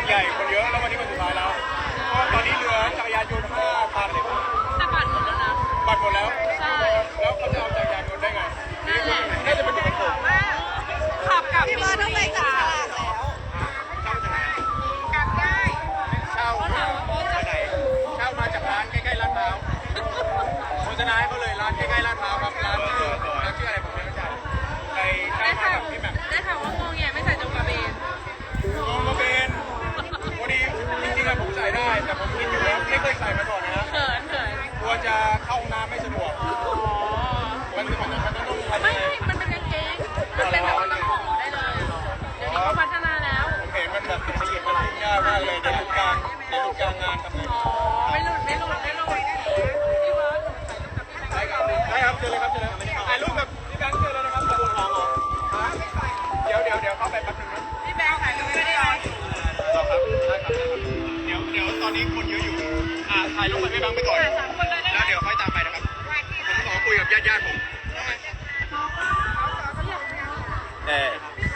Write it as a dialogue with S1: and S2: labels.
S1: ใหญ่คนเยอะแล้ววันนี้วันสุดท้ายแล้วก็ตอนนี้เหลือจักรยานยนต์5 คันเลย
S2: แต่บัตรหมดแล้วนะ
S1: บัตรหมดแล้ว
S2: ใช่
S1: แล้วเขาจะเอาจักรยานยนต์ได้ไง
S2: นั่นแหละ
S1: น่าจะเป็นเด็กผม
S2: ขับกลับ
S3: พี่เบิร์ดต้องไปจับฉลากแล้ว
S2: กลับได้
S1: เช่ามาจากไหนเช่ามาจากร้านใกล้ๆลาดพร้าวโฆษณาให้เขาเลยร้านใกล้ๆลาดพร้าวครับร้านชื่ออะไรผมไม่รู้จักไปเช่า
S2: ได้
S1: มา
S2: ข่าว
S1: กับพี่แหม่ม
S2: ได้ข่าวว่างงแงไม่ใส่จงกระเบน
S1: งงกระเบนวันนี้จริงๆอะผมใส่ได้แต่ผมคิดอยู่แล้วไม่เคยใส่มาก่อนนะฮะ
S2: เขิน
S1: กลัวจะเข้าห้องน้ำไม่สะดวก
S2: อ๋อ
S1: มันต้องทำ
S2: ไม่มันเป็นกางเกงมันเป็นแบบว่าต้องห่อได้เลย เดี๋ยวนี้เขาพัฒนาแล้ว
S1: ผมเห็นมันแบบละเอียดมันยุ่งยากมากเลยในทุกกลางงานทำไง
S2: อ๋อ ไม่หลุดพี่เบิร์ดถ่ายรูปกับพี่แบงค์
S1: ได้ครับเจอเลยครับเจอเลยถ่ายรูปกับพี่แบงค์เจอเลยนะครับขอบคุณครับเดี๋ยวเข้าไปแป๊บนึงนะ
S2: พี่แบงค์ถ่ายรูปไม่ได้หรอ
S1: ต่อครับได้ครับเดี๋ยวตอนนี้คนเยอะอยู่ถ่ายรูปกับพี่แบงค์ไปก่อน
S2: ถ่าย3 คนเลยได้ไหม
S1: แล้วเดี๋ยวค่อยตามไปนะครับผมขอคุยกับญาติผมแต่